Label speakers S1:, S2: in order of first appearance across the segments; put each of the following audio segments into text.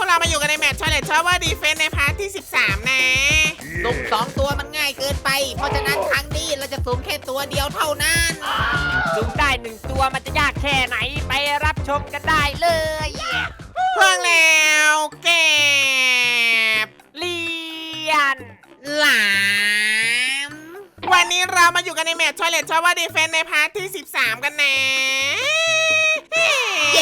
S1: เรามาอยู่กันในแมตช์ Toilet Tower Defense ในพาร์ทที่ 13 นะ
S2: สุ่ม2 ตัวมันง่ายเกินไป เพราะฉะนั้นครั้งนี้เราจะสุ่มแค่ตัวเดียวเท่านั้น
S3: สุ่มได้1 ตัวมันจะยากแค่ไหนไปรับชมกันได้เลย
S1: เพิ่งแล้วเก็บ
S3: เลียน
S2: หลาม
S1: วันนี้เรามาอยู่กันในแมตช์ Toilet Tower Defense ในพาร์ทที่ 13 กันนะ
S2: เย้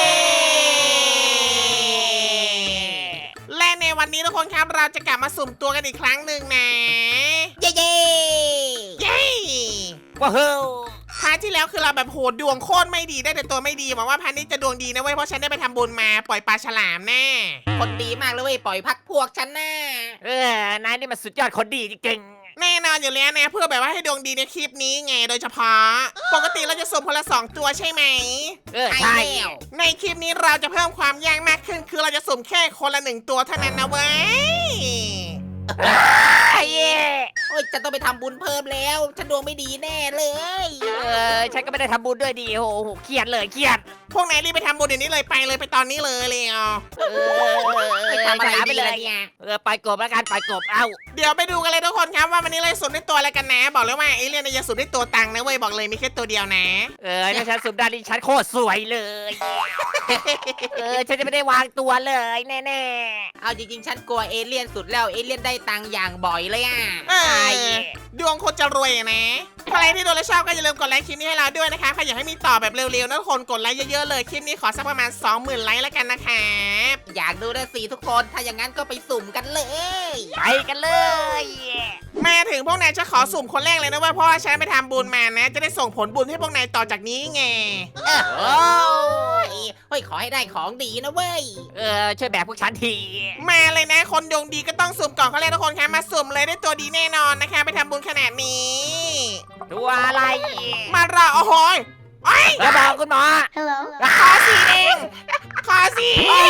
S1: และในวันนี้ทุกคนครับเราจะกลับมาสุ่มตัวกันอีกครั้งหนึ่งนะ
S2: เย้เย้
S1: เย้
S3: ว้าว
S1: พาร์ทที่แล้วคือเราแบบโหดดวงโคตรไม่ดีได้แต่ตัวไม่ดีหวังว่าพาร์ทนี้จะดวงดีนะเว้ยเพราะฉันได้ไปทำบุญมาปล่อยปลาฉลามแน่
S2: คนดีมากเลยเว้ยปล่อยพักพวกฉันน่ะ
S3: นายนี่มันสุดยอดคนดีจริง
S1: แน่นอนอยู่แล้วนะเพื่อแบบว่าให้ดวงดีในคลิปนี้ไงโดยเฉพาะปกติเราจะสุ่มคนละ2ตัวใช่ไหม
S3: ใช่
S2: แล้ว
S1: ในคลิปนี้เราจะเพิ่มความยากมากขึ้นคือเราจะสุ่มแค่คนละ1ตัวเท่านั้นนะเว้ย
S3: ไอ้เย่
S2: โอ้ยจะต้องไปทำบุญเพิ่มแล้วฉันดวงไม่ดีแน่เลย
S3: ฉันก็ไม่ได้ทำบุญด้วยดีโอ้โหเครียดเลยเครียด
S1: พวกนายรีบไปทำบุญเดี๋ยวนี้เลยไปตอนนี้เลยอ่ะ
S2: ไปทำอะไร
S3: ไป
S2: ดี
S3: เล
S2: ล่ะ
S3: ย
S2: เนี่ย
S3: ไปกบแล้วกันไปกบเอ้า
S1: เดี๋ยวไปดูกันเลยทุกคนครับว่าวันนี้เราสุ่มได้ตัวอะไรกันนะ บอกเลยว่าเอเลี่ยนเนี่ยจะสุ่มได้ตัวตังค์นะเว้ยบอกเลยมีแค่ตัวเดียวนะ
S3: ถ้าฉันสุ่มได้ดิฉันโคตรสวยเลยฉันจะไม่ได้วางตัวเลยแน่
S2: เอาจริงๆฉันกลัวเอเลี่ยนสุดแล้วเอเลี่ยนได้ตังค์อย่างบ่อยเลยอ่ะ
S1: เออดวงคนจะรวยอะนะใครที่ดูและชอบก็อย่าลืมกดไลค์คลิปนี้ให้เราด้วยนะคะใครอยากให้มีต่อแบบเร็วๆนะทุกคนกดไลค์เยอะๆเลยคลิปนี้ขอสักประมาณ 20,000 ไลค์แล้วกันนะครับ
S2: อยากดูนะสิทุกคนถ้าอย่างนั้นก็ไปสุ่มกันเลย
S3: ๆไปกันเลย
S1: มาถึงพวกนายจะขอสุ่มคนแรกเลยนะเว้ยเพราะว่าฉันไปทำบุญมานะ จะได้ส่งผลบุญให้พวกนายต่อจากนี้ไง
S2: โอ้ยเฮ้ยขอให้ได้ของดีนะเว้ย
S3: ช่วยแบกพวกฉันที
S1: มาเลยนะคนดวงดีก็ต้องสุ่มก่อนเขาเลยทุกคนครับมาสุ่มเลยได้ตัวดีแน่นอนนะคะไปทำบุญขนาดนี้
S3: ตัวอะไร
S1: มารอโอ้โหยไอ้ย
S3: อย่าบอกคุณหมอ
S4: Hello.
S1: ขอสีเองขอสี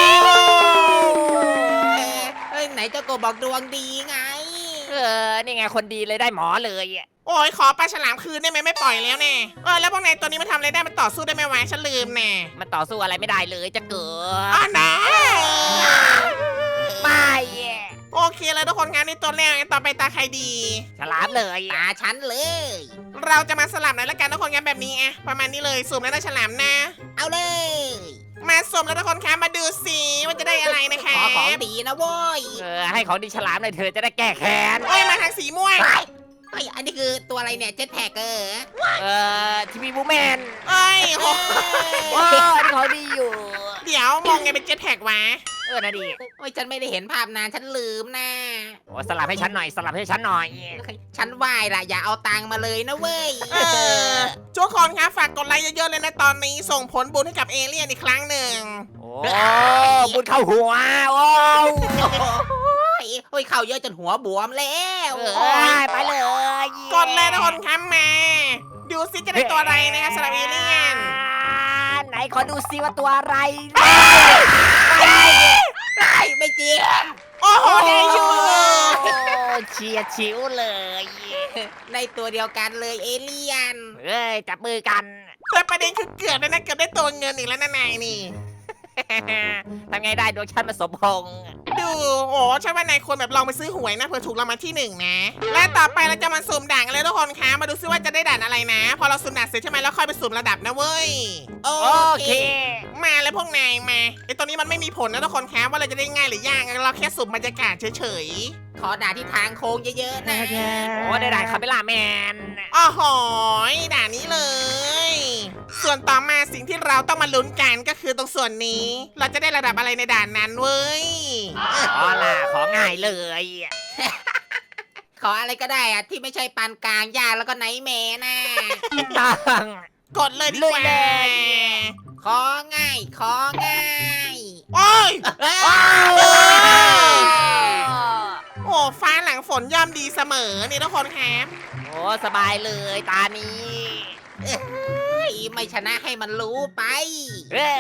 S2: เฮ้ยไหนเจ้าโกบอกดวงดีไง
S3: นี่ไงคนดีเลยได้หมอเลย
S1: โอ้ยขอปลาฉลามคืนได้ไหมไม่ปล่อยแล้วแน่แล้วพวกนายตัวนี้มันทำอะไรได้มันต่อสู้ได้ไหมวะฉันลืมแน่
S3: มันต่อสู้อะไรไม่ได้เลยจะเกิ
S1: อ๋อ
S3: ด
S1: นะ
S3: ไม่
S1: โอเคเลยทุกคนงานนี้ตัวแรกต่อไปตาใครดี
S3: ฉลามเลย
S2: ตาฉันเลย
S1: เราจะมาสลับหน่อยละกันทุกคนงานแบบนี้อะประมาณนี้เลยสุ่มแล้วได้ฉลามนะ
S2: เอาเลย
S1: มาสุ่มแล้วทุกคนคะมาดูสิว่าจะได้อะไรนะคะ
S2: ขอของดีนะเว้ย
S3: ให้ของดีฉลามหน่อยเธอจะได้แก้แค้น
S1: โอ้ยมาทางสีม่วง
S2: เฮ้ยอันนี้คือตัวอะไรเนี่ยเจ็ตแพ็ก
S3: ทีวีบูแมน
S1: เอ้ยโห
S3: อันนี้ของดีอยู่
S1: เดี๋ยวมองไงเป็นเจ็ตแพ็กวะ
S3: นะดี
S2: โอ้ยฉันไม่ได้เห็นภาพนานฉันลืมนะ
S3: สลับให้ฉันหน่อยสลับให้ฉันหน่อย
S2: ฉันไหวล่ะอย่าเอาตังค์มาเลยนะเว้ย
S1: ทุกคนคะฝากกดไลค์เยอะๆเลยนะตอนนี้ส่งผลบุญให้กับเอเลี่ยนอีกครั้งหนึ่ง
S3: โอ้บุญเข้าหัวโอ้
S2: โอ้ยเข่าเยอะจนหัวบวมแล้ว
S3: ไปเลย
S1: กดเลยทุกคนคะมาดูสิจะได้ตัวอะไรนะคะสำหรับเอเลี่ยน
S3: ไหนขอดูซิว่าตัวอะไร
S2: ไม่จริง
S1: โอ้โหได้อยู่
S3: เชียร์ชิวเลย
S2: ในตัวเดียวกันเลยเอเลี่ยน
S3: จับมือกัน
S1: แต่ประเด็นคือเกือบเลยนะเกือบได้ตัวเงินอีกแล้วนะนายนี่
S3: ทำไงได้ดวงฉันมาสมพงษ์
S1: ดูโอ้ใช่ว่านายควรแบบลองไปซื้อหวยนะเผื่อถูกรางวัลที่ 1นะและต่อไปเราจะมาสุ่มด่านกันเลยทุกคนคะมาดูซิว่าจะได้ด่านอะไรนะ พอเราสุ่มด่านเสร็จใช่ไหมแล้วค่อยไปสุ่มระดับนะเว้ย
S2: โอ
S3: โอ
S2: เค
S3: เค
S1: มาเลยพวกนายมาไอตัวนี้มันไม่มีผลนะทุกคนคะว่าเราจะได้ง่ายหรือยากเราแค่สุ่มบรรยากาศเฉย
S2: ขอด่าที่ทางโค้งเยอะๆนะ
S3: โอ้ได้คาเมล่าแมน
S1: ๆอ้อหอยด่านนี้เลย ส่วนต่อมาสิ่งที่เราต้องมาลุ้นกันก็คือตรงส่วนนี้ เราจะได้ระดับอะไรในด่านนั้นเว้ย
S3: ของง่ายเลย
S2: ขออะไรก็ได้อะที่ไม่ใช่ปานกลางยากแล้วก็ไนท์แมร์นะ
S3: ตั้ง
S1: กดเลยดีกว่า
S3: ลุยเลย
S2: ของ่ายของ่าย
S1: โอ้ย
S3: ว้าว
S1: โอ้ฟ้าหลังฝนย่อมดีเสมอนี่ทุกคนครับ
S3: โอ้สบายเลยตานี้
S2: เฮ้ยไม่ชนะให้มันรู้ไป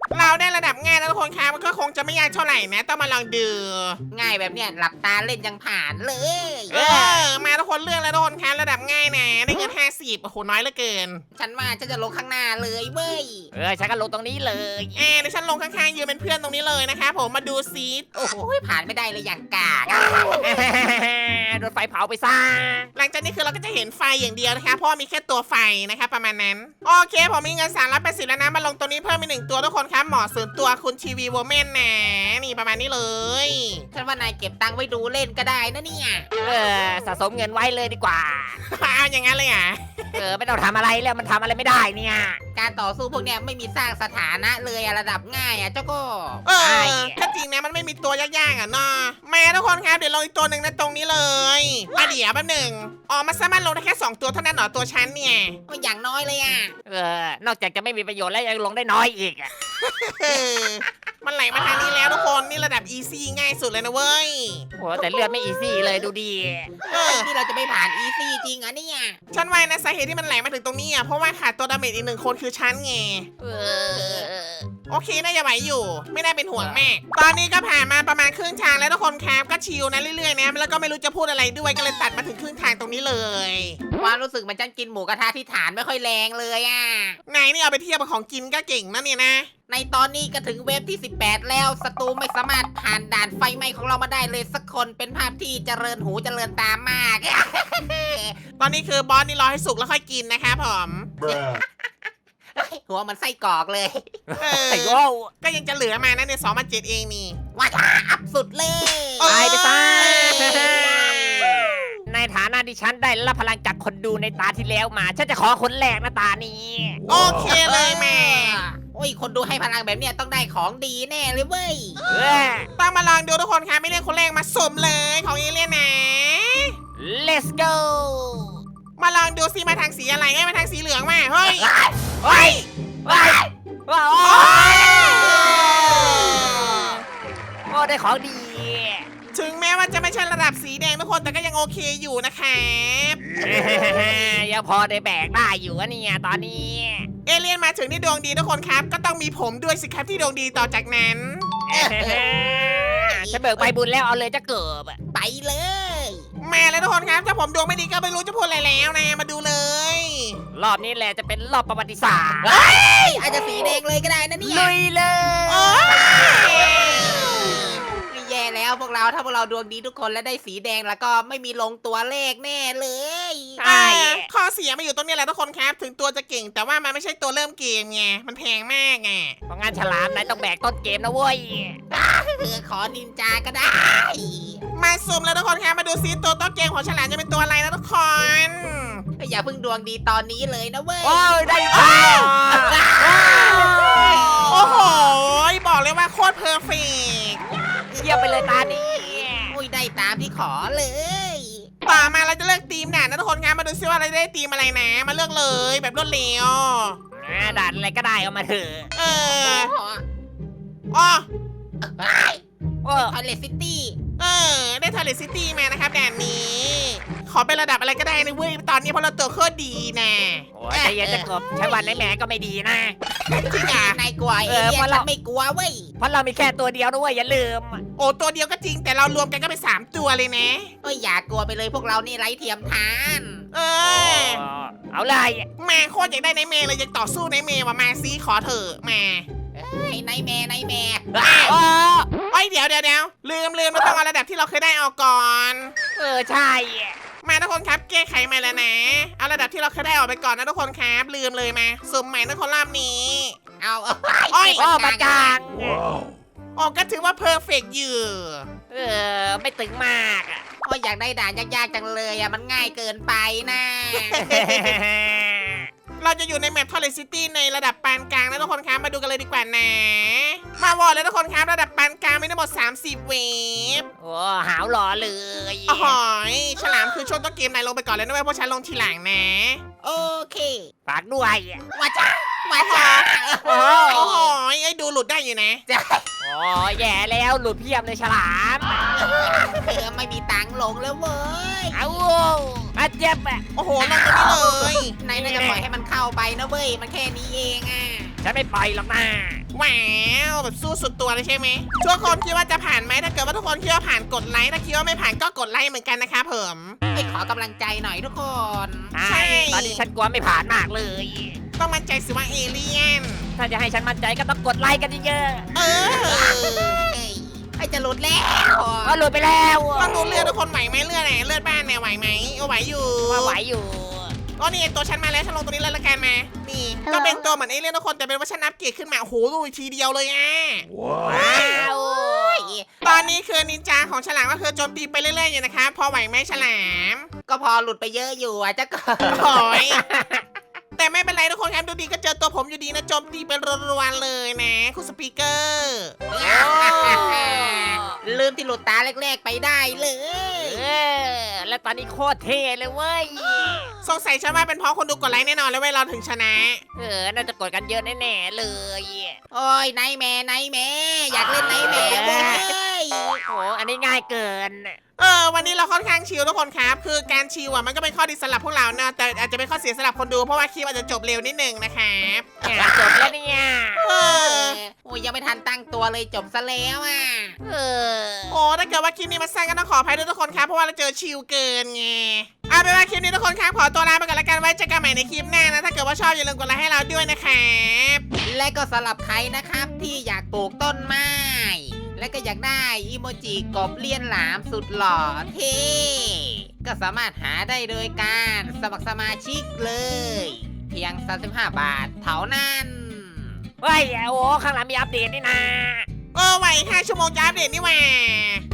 S1: เราได้ระดับง่ายนะทุกคนครับมันก็คงจะไม่ยากเท่าไหร่นะต้องมาลองดู
S2: ง่ายแบบเนี้ยหลับตาเล่นยังผ่านเลย
S1: มาทุกคนเลือกแล้วทุกคนครับระดับง่ายนะได้เงิน50โอ้โหน้อยเหลือเกิน
S2: ฉันว่าฉันจะลงข้างหน้าเลยเว้ย
S3: ฉันก็ลงตรงนี้เลย
S1: เดี๋ยวฉันลงข้างๆยืนเป็นเพื่อนตรงนี้เลยนะคะผมมาดูซิ
S2: โอ้โหผ่านไม่ได้เลยอย่างกาก
S3: โดนไฟเผาไปซะ
S1: หลังจากนี้คือเราก็จะเห็นไฟอย่างเดียวนะคะเพราะว่ามีแค่ตัวไฟนะคะประมาณนั้นโอเคผมมีเงิน380แล้วนะมาลงตัวนี้เพิ่มอีก1ตัวทุกคนครับหมอส่วนตัวคุณทีวีโวเมนนะนี่ประมาณนี้เลย
S2: ฉันว่านายเก็บตังค์ไว้ดูเล่นก็ได้นะเนี่ย
S3: สะสมเงินไว้เลยดีกว่า
S1: เอาอย่างนั้นเลยอ่ะ
S3: ไม่ต้องทำอะไรแล้วมันทำอะไรไม่ได้เนี่ย
S2: การต่อสู้พวกเนี้ยไม่มีสร้างสถานะเลยอะระดับง่ายอะเจ้าก็
S1: ถ้าจริงนะมันไม่มีตัวยากๆอ่ะเนาะมาทุกคนครับเดี๋ยวลงอีกตัวหนึ่งนะตรงนี้เลยเดี๋ยวแป๊บหนึ่งมันสามารถลงได้แค่2ตัวเท่านั้นเหรอตัวฉันเนี่ย
S2: ก็อย่างน้อยเลยอะ
S3: นอกจากจะไม่มีประโยชน์แล้วยังลงได้น้อยอีก
S1: มันไหลมาทางนี้แล้วทุกคนนี่ระดับอีซี่ง่ายสุดเลยนะเว้ย
S3: โอ้แต่เลือดไม่อีซี่เลยดูดี
S2: นี่เราจะไม่ผ่านอีซี่จริงอะเนี่ย
S1: ฉันว่านะสาเหตุที่มันไหลมาถึงตรงนี้อ่ะเพราะว่าขาดตัวดาเมจอีก1คนคือฉันไงโอเคน่าจะไหวอยู่ ไม่ได้เป็นห่วงแม่ตอนนี้ก็ผ่านมาประมาณครึ่งทางแล้วทุกคนครับก็ชิลนะเรื่อยๆนะแล้วก็ไม่รู้จะพูดอะไรด้วยก็เลยตัดมาถึงครึ่งทางตรงนี้เลย
S2: ความรู้สึกเหมันฉันกินหมูกระทะที่ฐานไม่ค่อยแรงเลยอะ
S1: นายนี่เอาไปเทียบกับของกินก็เก่งนะเนี่ยนะ
S2: ในตอนนี้ก็ถึงเวฟที่ 18 แล้วศัตรูไม่สามารถผ่านด่านไฟไหม้ของเรามาได้เลยสักคนเป็นภาพที่เจริญหูเจริญตามาก
S1: ตอนนี้คือบอสนี่รอให้สุกแล้วค่อยกินนะครับผม
S2: หัวมันไส้กรอกเลย
S3: ไอ้โว้
S1: ก็ยังจะเหลือมานะเนี่ย2,700เองนี่
S2: ว้าอัพสุดเลย
S3: ตายไปซะในฐานะที่ฉันได้รับพลังจากคนดูในตาที่แล้วมา ฉันจะขอคนแรกนะตานี้
S1: โอเคเลยแม่
S2: โอ้ยคนดูให้พลังแบบเนี้ยต้องได้ของดีแน่เลยเว้ย
S1: ต้องมาลองดูทุกคนครับไม่เรียกคนแรกมาสุ่มเลยของเอเลี่ยนนะ
S3: Let's go
S1: มาลองดูซิมาทางสีอะไรมาทางสีเหลืองมาเฮ้ย
S3: เฮ้ยว้าวโอ้ได้ของดี
S1: ถึงแม้ว่าจะไม่ใช่ระดับสีแดงทุกคนแต่ก็ยังโอเคอยู่นะครับ
S3: ยังพอได้แบกได้อยู่อะเนี่ยตอนนี้
S1: เอเลี่ยนมาถึงที่ดวงดีทุกคนครับ ก็ต้องมีผมด้วยสิครับที่ดวงดีต่อจากนั้น
S3: ฉันเบิกใบบุญแล้วเอาเลยจะเกิบ
S2: ไปเลย
S1: มาแล้วทุกคนครับถ้าผมดวงไม่ดีก็ไม่รู้จะพูดอะไรแล้วนะมาดูเลย
S3: รอบนี้แหละจะเป็นรอบประวัติศาสตร์
S2: อาจจะสีแดงเลยก็ได้นะเนี่ย
S3: ลุยเลย
S1: โอ้ย
S2: แย่แล้วพวกเราถ้าพวกเราดวงดีทุกคนและได้สีแดงแล้วก็ไม่มีลงตัวเลขแน่เลย
S3: ใช่
S1: ข้อเสียมาอยู่ตรงนี้แหละทุกคนครับ ถึงตัวจะเก่งแต่ว่ามันไม่ใช่ตัวเริ่มเกมไงมันแพงมากไง
S3: เพราะงั้นฉลามนายต้องแบกต้นเกมนะเว้ย
S2: ขอนินจาก็ได้
S1: มาสุ่มแล้วทุกคนครับมาดูซิตัวต้นเกมของฉลามจะเป็นตัวอะไรนะทุกคน
S2: อย่าเพิ่งดวงดีตอนนี้เลยนะเว้ย
S3: โอ้ยได้ค่ะ
S1: โอ้โหบอกเลยว่าโคตรเพอร์เฟกต์
S3: เยี่ยมไปเลยตานี้
S2: อุ้ยได้ตามที่ขอเลย
S1: ต่อมาเราจะเลือกทีมด่านนะทุกคนครับมาดูซิว่าเราได้ทีมอะไรนะมาเลือกเลยแบบรวดเร็ว
S3: ด่านอะไรก็ได้เอามาเถอะ
S1: อ๋อ
S3: โอ้
S2: ทอยเลซิตี้
S1: ได้ทอร์เรซิตี้มานะครับด่านนี้ ขอเป็นระดับอะไรก็ได้นะเว้ยตอนนี้เพราะเราตัวโคตรดีนะ
S3: โหใจเย็นจะกบใช้วันไหนแหมก็ไม่ดีนะ
S1: จริงอ่ะ
S2: นายกลัวเอ
S3: เออ
S2: เลี่ย
S3: เพราะ
S2: น
S3: เรา
S2: ฉันไม่กลัวเว้ย
S3: เพราะเรามีแค่ตัวเดียวด้วยอย่าลืม
S1: โอ้ตัวเดียวก็จริงแต่เรารวมกันก็เป็น3ตัวเลยนะ
S2: เอ้ยอย่ากลัวไปเลยพวกเรานี่ไร้เทียมทาน
S3: เอาเลย
S1: มาโคตรอยากได้ในเมย์เลยอยากต่อสู้ในเมย์ว่ะมาซีขอเถอะมา
S2: เฮ้ยนายแม่นายแม่
S3: โอ้
S1: โอ้ยเดี๋ยวลืมเราต้องเอาระดับที่เราเคยได้ออกก่อน
S3: ใช่
S1: มาทุกคนครับแก้ไขใหม่แล้วนะเอาระดับที่เราเคยได้ออกไปก่อนนะทุกคนครับลืมเลยมาสุ่มใหม่นะคนรอบนี้
S2: เอา
S1: โอ้ย
S3: โอ้ประกาง
S1: ออกก็ถือว่าเพอร์เฟกต์อยู่
S3: ไม่ตึงมากอะ
S2: โอ้ยอยากได้ด่านยากๆจังเลยอ่ะมันง่ายเกินไปนะ
S1: เราจะอยู่ในแมปทอร์เรซิตี้ในระดับปานกลางนะทุกคนครับมาดูกันเลยดีกว่านะมาวอร์เลยทุกคนครับระดับปานกลางมีทั้งหมด30เวฟ
S3: โอ้หาวหล่อเลย
S1: อ๋อฉลามคือช่วงต้นเกมนายลงไปก่อนเลยนะเว้ยเพราะฉันลงทีหลังนะ
S2: โอเค
S3: ฝากด้วย
S2: ว่าจ้าว่าจ้า
S3: โอ้
S1: โอ้โหไอ้ดูหลุดได้อยู่นะ
S3: โอ้แย่แล้วหลุดเพียบเลยฉลาม
S2: ไม่มีตังค์ลงแล้วเว้ย
S3: เอาอาเจ็บอ่ะ
S1: โอ้โหลงตรงนี้เลย
S2: นายน่าจะปล่อยให้มันเข้าไปนะเว้ยมันแค่นี้เองอ่ะ
S3: ฉันไม่ปล่อยหรอกนะ
S1: ว้าวแบบสู้สุดตัวเลยใช่ไหมทุกคนคิดว่าจะผ่านไหมถ้าเกิดว่าทุกคนคิดว่าผ่านกดไลค์ถ้าคิดว่าไม่ผ่านก็กดไลค์เหมือนกันนะครับผม
S2: ไปขอกำลังใจหน่อยทุกคน
S1: ใช่
S3: ตอนนี้ฉันกลัวไม่ผ่านมากเลย
S1: ต้องมั่นใจสิว่าเอเลี่ยน
S3: ถ้าจะให้ฉันมั่นใจก็ต้องกดไลค์กันเยอะ
S1: เออ
S2: ไอ้จะหลุดแล้ว
S3: ๆก็หลุดไปแล้ว
S1: ต้องดูเลือดทุกคนไหวไหมเลือดไหนเลือดบ้านเนี่ยไหวไหมไหวอยู่
S3: ว่าไหวอยู่
S1: อ๋อนี่ตัวฉันมาแล้วฉันลงตัวนี้เลยละกันมานี่ก็เป็นตัวเหมือนเอเลี่ยนทุกคนแต่เป็นว่าฉันอัปเกรดขึ้นมาโอ้โหดูทีเดียวเลยอ่ะ
S3: ว้าว
S1: ตอนนี้คือนินจาของฉลามก็คือโจมตีไปเรื่อยๆอยู่นะคะพอไหวไหมฉลาม
S2: ก็พอหลุดไปเยอะอยู่อ่ะเจ้าก็
S1: โอ้ยแต่ไม่เป็นไรทุกคนครับดูดีก็เจอตัวผมอยู่ดีนะโจมตีเป็นรัวๆเลยนะคุณสปีกเกอร์
S2: ลืมที่หลุดตาแรกๆไปได้เลย
S3: แล้วตอนนี้โคตรเท่เลยเว้ย
S1: สงสัยฉันว่าเป็นเพราะคนดูกดไลค์แน่นอนเลยเว้ยเราถึงชนะ
S3: น่าจะกดกันเยอะแน่ๆเลย
S2: โอ้ยไนท์แมร์อยากเล่นไนท์แมร์เว้ย
S3: โอ้อันนี้ง่ายเกิน
S1: วันนี้เราค่อนข้างชิลทุกคนครับ คือการชิลอ่ะมันก็เป็นข้อดีสำหรับพวกเราเนอะแต่อาจจะเป็นข้อเสียสำหรับคนดูเพราะว่าคลิปอาจจะจบเร็วนิดนึงนะครับ
S3: จบแล้วเนี่ย
S2: โอ้ยยังไม่ทันตั้งตัวเลยจบซะแล้วอ่ะ
S1: โอ้ถ้าเกิดว่าคลิปนี้มันสั้นก็ต้องขออภัยด้วยทุกคนครับเพราะว่าเราเจอชิลเกินไงเอาเป็นว่าคลิปนี้ทุกคนครับขอตัวลาไปก่อนละกันไว้เจอกันใหม่ในคลิปหน้านะถ้าเกิดว่าชอบอย่าลืมกดไลค์ให้เราด้วยนะครับ
S2: และก็สำหรับใครนะครับที่อยากปลูกต้นไม้ และก็อยากได้อีโมจิกบเลียนหลามสุดหล่อเท่ก็สามารถหาได้โดยการสมัครสมาชิกเลย เพียง 35 บาทเท่านั้น
S3: เฮ้ย โอ้ข้างหลังมีอัปเดตนี่นะ
S1: ไหว5 ชั่วโมงจะอัปเดตนี่หว่า